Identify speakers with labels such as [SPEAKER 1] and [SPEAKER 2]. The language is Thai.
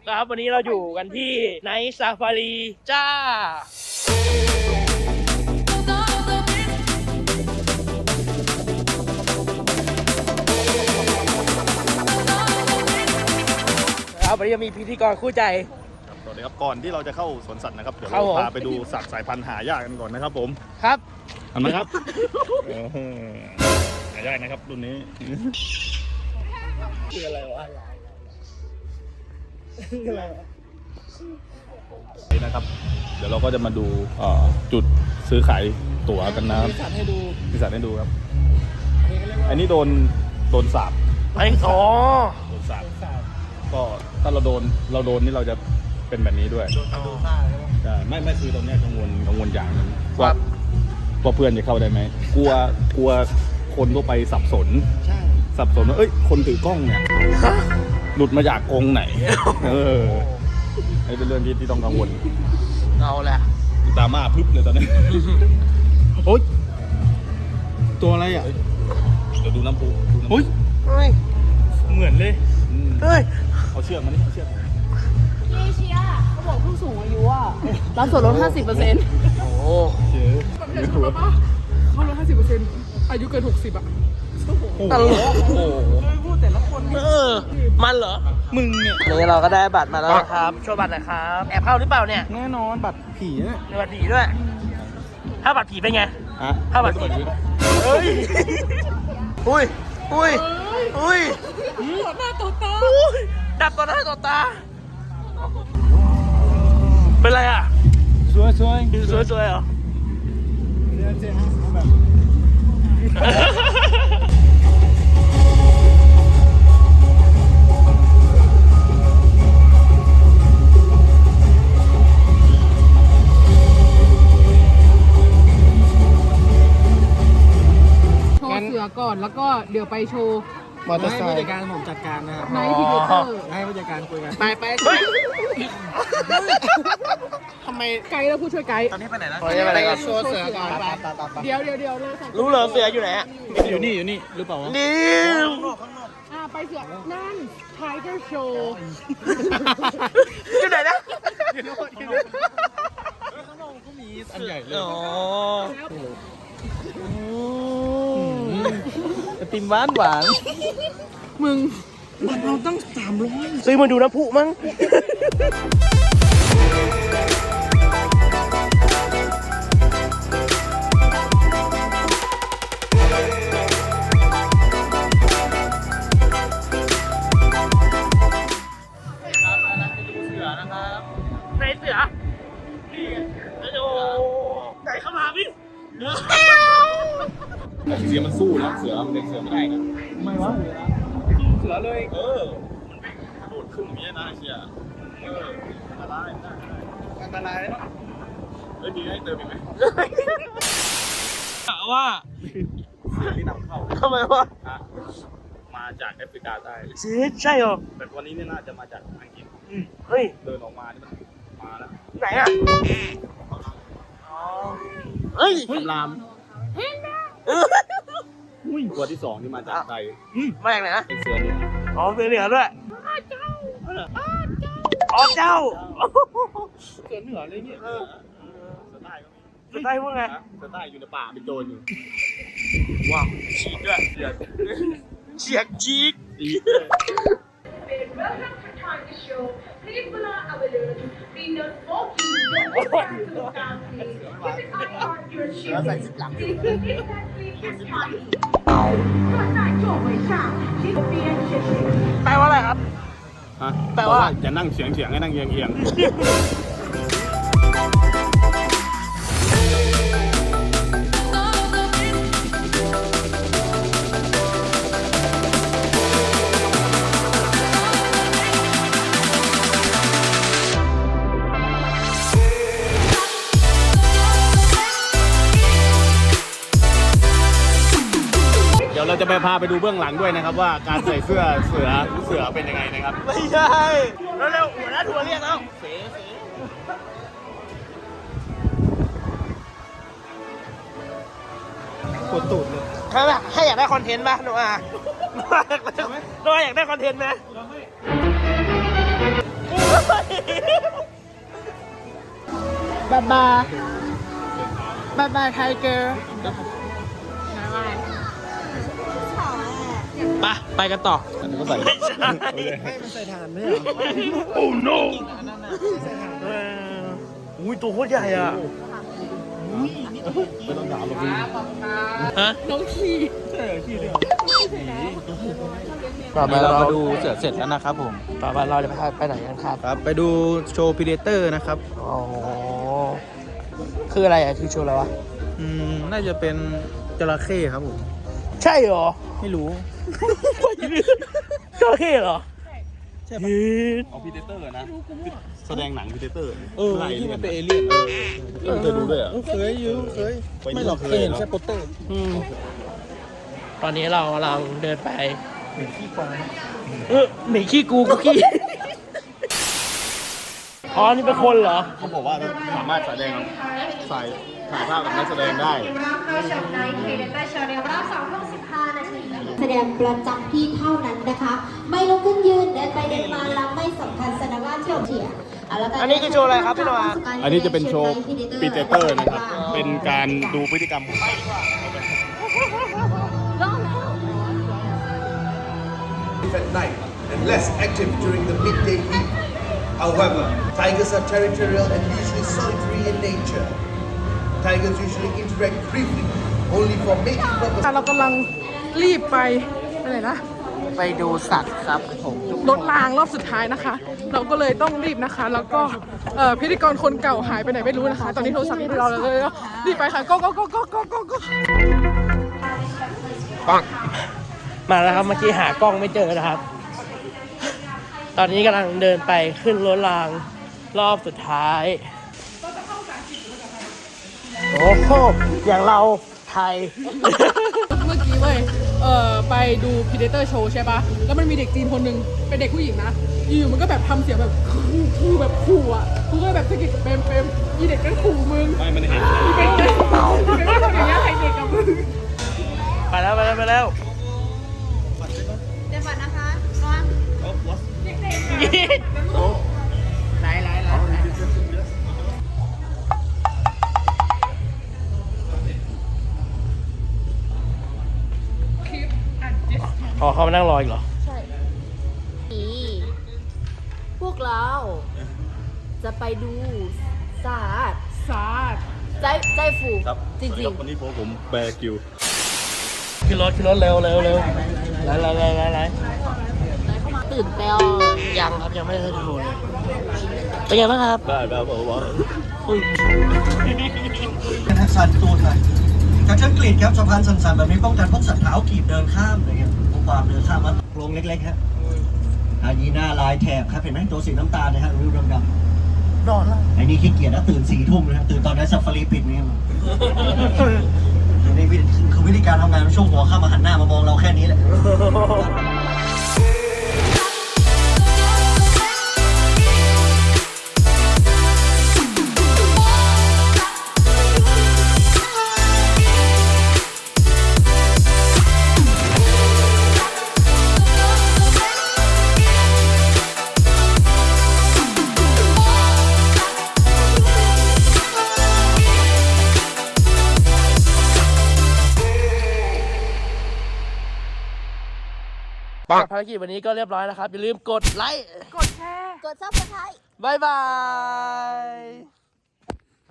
[SPEAKER 1] ครับวันนี้เราอยู่กันที่ไนท์ซาฟารีจ้าครับวันนี้จะมีพิธีกรคู่ใจ
[SPEAKER 2] สวัสดีครับก่อนที่เราจะเข้าสวนสัตว์นะครับเดี๋ยว
[SPEAKER 1] ครั
[SPEAKER 2] เรา
[SPEAKER 1] บผม
[SPEAKER 2] พาไปดูสัตว์สายพันธุ์หายากกันก่อนนะครับผม
[SPEAKER 1] ครับ
[SPEAKER 2] เห็นไหมครับ หายากนะครับรุ่นนี้
[SPEAKER 1] คืออะไรวะ
[SPEAKER 2] นี่นะครับ เดี๋ยวเราก็จะมาดูจุดซื้อขายตั๋วกันนะครับ
[SPEAKER 1] มีสัตว์ให้ดู
[SPEAKER 2] มีสัตว์ให้ดูครับ อันนี้โดนสาบ
[SPEAKER 1] ไอ้อ๋อ
[SPEAKER 2] โดนสาบก็ถ้าเราโดนนี่เราจะเป็นแบบนี้ด้วยใช่ไม่คือตรงเนี้ยกังวลอย่างหนึงว่าเพื่อนจะเข้าได้ไหมกลัวคนทั่วไปสับสนว่าเอ้ยคนถือกล้องเนี่ยหลุดมาจากกรงไหนนี่เป็นเรื่องที่ต้องกังวล
[SPEAKER 1] เอาแหละ
[SPEAKER 2] ตาม่าพึบเลยตอนนี้
[SPEAKER 3] โอ๊ยตัวอะไรอ่ะ
[SPEAKER 2] เดี๋ยวดูน้ำพุ
[SPEAKER 3] โอ๊ย
[SPEAKER 1] เฮ้ย
[SPEAKER 3] เหมือนเลย
[SPEAKER 1] เฮ้ย
[SPEAKER 2] เอาเชือกมานี่เอาเชือกมา
[SPEAKER 4] พี่เชียร์เขาบอกผู้สูงอายุอ่ะรับส่วนลด 50%
[SPEAKER 1] โอ้
[SPEAKER 2] เชือก
[SPEAKER 5] เขาลด50%อายุเกิน 60อ่ะ
[SPEAKER 1] ตลก
[SPEAKER 2] โอ้โห
[SPEAKER 5] พูดแต่ละคน
[SPEAKER 1] มันเหรอ
[SPEAKER 3] มึงเนี่ย
[SPEAKER 1] นี่เราก็ได้บัตรมาแล้วนะครับโชว์บัตรหน่อยครับแอบเข้าหรือเปล่าเนี่ย
[SPEAKER 3] แน่นอนบัตรผีเนี่ย
[SPEAKER 1] มีบัตรผีด้วย ถ้าบัตรผีเป็นไง
[SPEAKER 2] ฮะ
[SPEAKER 1] ถ้าบัตรผีเฮ้ยอุ้ย
[SPEAKER 5] ต่อหน้าต่อตา
[SPEAKER 1] อุ้ยดับต่อหน้าต่อตา เป็นไรอ่ะ
[SPEAKER 3] สวย
[SPEAKER 1] สวยเหรอ
[SPEAKER 3] แบบ
[SPEAKER 5] โชว์เสือก่อนแล้วก็เดี๋ยวไปโชว์
[SPEAKER 3] มอเตอร์ไซค์ผู้จัดการผมจัดการนะครับ
[SPEAKER 5] ไนท์พีเดเตอร์
[SPEAKER 3] ให้ผู้จัดการคุยกัน
[SPEAKER 1] ไปเฮ้ย
[SPEAKER 3] ทำไม
[SPEAKER 5] ไกด์แล้วผู้ช่วยไกด์
[SPEAKER 3] ตอนนี้ไปไหนนะ
[SPEAKER 1] โอ้ยไปไหนก่อน
[SPEAKER 3] โชว์เสือก่อนไป
[SPEAKER 5] เดี๋ยวเลยค่ะ
[SPEAKER 1] รู้เหรอเสืออยู่ไหนอะ
[SPEAKER 3] อยู่นี่หรือเปล่าวะ
[SPEAKER 1] นี่
[SPEAKER 5] ไปเสือนั่น Tiger Show
[SPEAKER 1] อยู่ไหนนะ
[SPEAKER 3] เขามีอันใหญ่เลย
[SPEAKER 1] อ๋อ
[SPEAKER 3] ไอติมหวาน
[SPEAKER 5] มึง
[SPEAKER 1] ซื้อมาดูน้ำพุมั้ง ไหนเสือโอ้ไหนเข้ามาพี่
[SPEAKER 2] แต่เสือมันสู้นะเสือมันเป็นเสือไม่ได้นะ
[SPEAKER 3] ไม่วะเสือเลย
[SPEAKER 2] มันโดดขึ้นอย่างนี้นะเชียอันตรายได้
[SPEAKER 3] อันตรายเลยเนาะ
[SPEAKER 2] เฮ้ยมีให้เติมอีกไหม
[SPEAKER 1] ถามว่า
[SPEAKER 2] เสือที่นำเข้า
[SPEAKER 1] ทำไมวะ
[SPEAKER 2] มาจากแอฟริกาใต้
[SPEAKER 1] ใช่เหรอ
[SPEAKER 2] แต่วันนี้เนี่ยน่าจะมาจากอังกฤษ
[SPEAKER 1] เฮ้ย
[SPEAKER 2] เดินออกมานี่มันมาแล้ว
[SPEAKER 1] ไหนอ่ะเฮ้ย
[SPEAKER 2] คำรามตัวที่สองที่มาจากไทย
[SPEAKER 1] มาจากไหนนะ
[SPEAKER 2] เป็นเสือเหลือง
[SPEAKER 1] อ๋อเสือเหลืองด้วยอ๋อเจ้า
[SPEAKER 3] เสือเหนือเลยเนี่ย
[SPEAKER 2] เสือใต้ก็มี
[SPEAKER 1] จะได้พวกไง
[SPEAKER 2] เสือใต้อยู่ในป่าเป็นโจรอยู่
[SPEAKER 1] ว้าวฉีกด้วย
[SPEAKER 2] เสือ
[SPEAKER 1] เฉียกจีก
[SPEAKER 2] ตีด้วย
[SPEAKER 6] Welcome to Tiger Show. Please follow our alert. We know smoking, don't circumstances. Keep an eye on your children. Please keep it exactly as time. 各在座位上，请别谢谢。
[SPEAKER 1] แปลว่าอะไรครับ
[SPEAKER 2] ฮะ
[SPEAKER 1] แปลว่า
[SPEAKER 2] อย่านั่งเฉียงให้นั่งเอียง เดี๋ยวเราจะไปพาไปดูเบื้องหลังด้วยนะครับว่าการใส่เสื้อเสือเป็นยังไงนะครับ
[SPEAKER 1] ไม่ใช่เร็วๆหัวหน้าทัวร์เรียกแล้ว
[SPEAKER 3] ปวดตูดเลย
[SPEAKER 1] ให้อยากได้คอนเทนต์ป่ะโนอาโนอาอยากได้คอนเทนต์ไหม
[SPEAKER 5] ายบายบายบายไทเกอร์
[SPEAKER 1] ไปกันต่อ
[SPEAKER 2] อันนี้ก็ใส่
[SPEAKER 3] มันใส่ฐานไม่เหรอ
[SPEAKER 1] โอ้ no อุ้ยตัวโคตรใหญ่อ่ะ
[SPEAKER 2] ไม่ต้องถามหรอกพี่
[SPEAKER 1] ฮะ
[SPEAKER 5] น้องขี่
[SPEAKER 3] ต่อไปเราดูเสร็จแล้วนะครับผม
[SPEAKER 1] ต่อไปเราจะไปไหนกันครับ
[SPEAKER 3] ครับ ไปดูโชว์พีเดเตอร์นะครับ
[SPEAKER 1] อ๋อ คืออะไรอ่ะ คือโชว์อะไรวะ
[SPEAKER 3] น่าจะเป็นจระเข้ครับผม
[SPEAKER 1] ใช่เหรอ
[SPEAKER 3] ไม่รู้
[SPEAKER 1] จระเข้เหรอ
[SPEAKER 3] ใช่ปะ
[SPEAKER 2] เอาพีเดเตอร์นะ แสดงหนังพีเดเตอร์
[SPEAKER 3] ที่มันเป็นเอเลี่ยน
[SPEAKER 2] เคยดูด้วยเหรอ
[SPEAKER 3] เคยอยู่เคย ไม่หรอกเคยเห็นแค่โปสเตอร์
[SPEAKER 1] ตอนนี้เรากำลังเดินไปหมีขี้กวางหมีขี้กูขี้ อ๋อ นี่เป็นคนเหรอ
[SPEAKER 2] เขาบอกว่าสามารถถ่ายภาพกับนักแสดงได้
[SPEAKER 6] รับเข้าชมในเพจแต่โชว์ในรอบ2 ทุ่ม 15 นาที แสดงประจำที่เท่านั้นนะคะ ไม่ลุกขึ้นยืนเดินไปเดินมาแล้วไม่สำคัญแสดงว่าเที่ยวเถียง
[SPEAKER 1] อันนี้คือโชว์อะไรครับพี่นวา
[SPEAKER 2] อันนี้จะเป็นโชว์พีเดเตอร์นะครับ เป็นการดูพฤติกรรมของ
[SPEAKER 7] at night and less active during the midday heat. However, tigers are territorial and usually solitary in nature. Tigers usually interact briefly, only for mating purposes.
[SPEAKER 5] เรากำลังรีบไปไหนนะ
[SPEAKER 1] ไปดูสัตว์ครับผม
[SPEAKER 5] รถรางรอบสุดท้ายนะคะ เราก็เลยต้องรีบนะคะ แล้วก็พิธีกรคนเก่าหายไปไหนไม่รู้นะคะ ตอนนี้โทรศัพท์อยู่ที่เราเลยรีบไปค่ะก็
[SPEAKER 1] ปังมาแล้วครับ เมื่อกี้หากล้องไม่เจอนะครับ ตอนนี้กำลังเดินไปขึ้นรถรางรอบสุดท้าย โอ้โห อย่างเราไทย
[SPEAKER 5] เมื่อกี้เว้ยไปดู Predator Show ใช่ปะแล้วมันมีเด็กจีนคนหนึ่งเป็นเด็กผู้หญิงนะอยู่ๆมันก็แบบทำเสียงแบบคู่แบบขู่อ่ะกูก็แบบสะกิดเปมอีเด็กก็ขู่มึง
[SPEAKER 2] ไม่มันเห็น
[SPEAKER 5] อีเป็นเด็กไม่ทำอย่างเงี้ยใครเด็กกับมึง
[SPEAKER 1] ไปแล้ว
[SPEAKER 6] เดี๋ยวก่อนนะคะน้อง
[SPEAKER 1] ไหนอ๋อเขามานั่งรออีกเหรอ
[SPEAKER 4] นี่พวกเราจะไปดูศาสตร์
[SPEAKER 5] สาด
[SPEAKER 4] ใจฟู
[SPEAKER 2] ครับ
[SPEAKER 4] จริง
[SPEAKER 2] วันนี้ผมแบร์กิว
[SPEAKER 1] ขึ้นรถเร็วไล่
[SPEAKER 4] ๆ ตื่นเต้น
[SPEAKER 1] ยังครับยังไม่ได้ดูเลยเป็นไงบ้างครับ
[SPEAKER 2] ได้แบบว่า
[SPEAKER 8] ทักษะตูนหน่อยจากเช่นกรีดครับสะพานสันๆแบบนี้ป้องกันพวกสัตว์เท้ากีบเดินข้ามอะไรเงี้ยพวกความเดินข้ามมาโครงเล็กๆครับอันนี้หน้าลายแถบครับเห็นไหมตัวสีน้ำตาลนะฮะริ้วดำๆ
[SPEAKER 1] นอนแล้ว
[SPEAKER 8] ไอ้นี่ขี้เกียจนะตื่น4 ทุ่มนะฮะตื่นตอนนั้นซัฟฟารีปิดนี่นี่คือวิธีการทำงานช่วงหัวข้ามมาหันหน้ามามองเราแค่นี้แหละ
[SPEAKER 1] ภารกิจวันนี้ก็เรียบร้อยแล้วครับ อย่าลืมกดไลค์
[SPEAKER 5] กดแชร์
[SPEAKER 4] กดซับสไครต์
[SPEAKER 1] บ๊ายบาย